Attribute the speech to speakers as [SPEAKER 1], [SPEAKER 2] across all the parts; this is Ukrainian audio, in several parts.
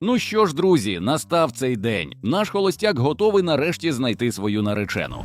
[SPEAKER 1] Ну що ж, друзі, настав цей день. Наш холостяк готовий нарешті знайти свою наречену.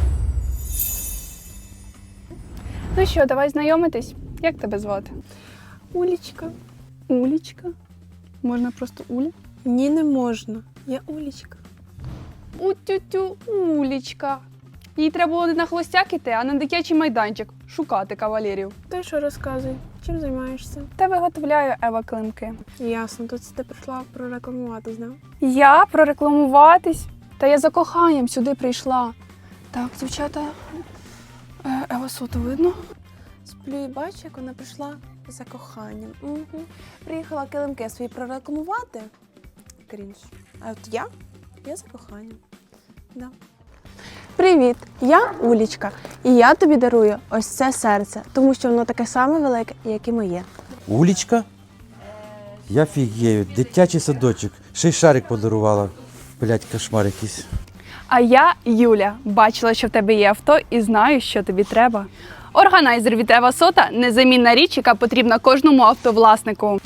[SPEAKER 2] Ну що, давай знайомитись. Як тебе звати?
[SPEAKER 3] Улічка.
[SPEAKER 2] Улічка. Можна просто Уля?
[SPEAKER 3] Ні, не можна. Я Улічка.
[SPEAKER 2] У-тю-тю, Улічка. Їй треба було не на холостяк іти, а на дитячий майданчик шукати кавалерів.
[SPEAKER 3] Ти що розказуй? Чим займаєшся?
[SPEAKER 2] Та виготовляю Ева килимки.
[SPEAKER 3] Ясно, тут ти прийшла прорекламуватись, да?
[SPEAKER 2] Я прорекламуватись? Та я за коханням сюди прийшла. Так, дівчата, Ева Соту видно?
[SPEAKER 3] Сплю і бачу, як вона прийшла за коханням. Угу. Приїхала килимки свої прорекламувати. Крінж. А от я за коханням. Да. Привіт, я Улічка. І я тобі дарую ось це серце, тому що воно таке саме велике, як і моє.
[SPEAKER 4] Улічка? Я фігею, дитячий садочок. Ще й шарик подарувала. Блять, кошмар якийсь.
[SPEAKER 2] А я Юля. Бачила, що в тебе є авто і знаю, що тобі треба. Органайзер від Ева Сота – незамінна річ, яка потрібна кожному автовласнику.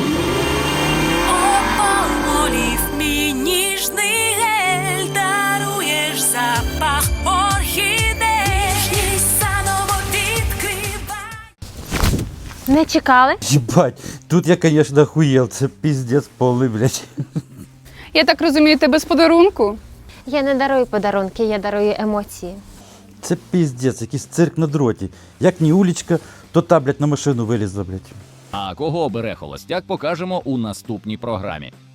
[SPEAKER 5] Олів мій ніжний гель, даруєш запах орхідей, і заново відкривай.
[SPEAKER 6] Не чекали?
[SPEAKER 4] Єбать, тут я, конечно, охуєл. Це піздець повний, блять.
[SPEAKER 2] Я так розумію, ти без подарунку?
[SPEAKER 6] Я не дарую подарунки, я дарую емоції.
[SPEAKER 4] Це піздець, якийсь цирк на дроті. Як не Улічка, то та, блять, на машину вилізла, блять.
[SPEAKER 1] А кого бере холостяк, покажемо у наступній програмі.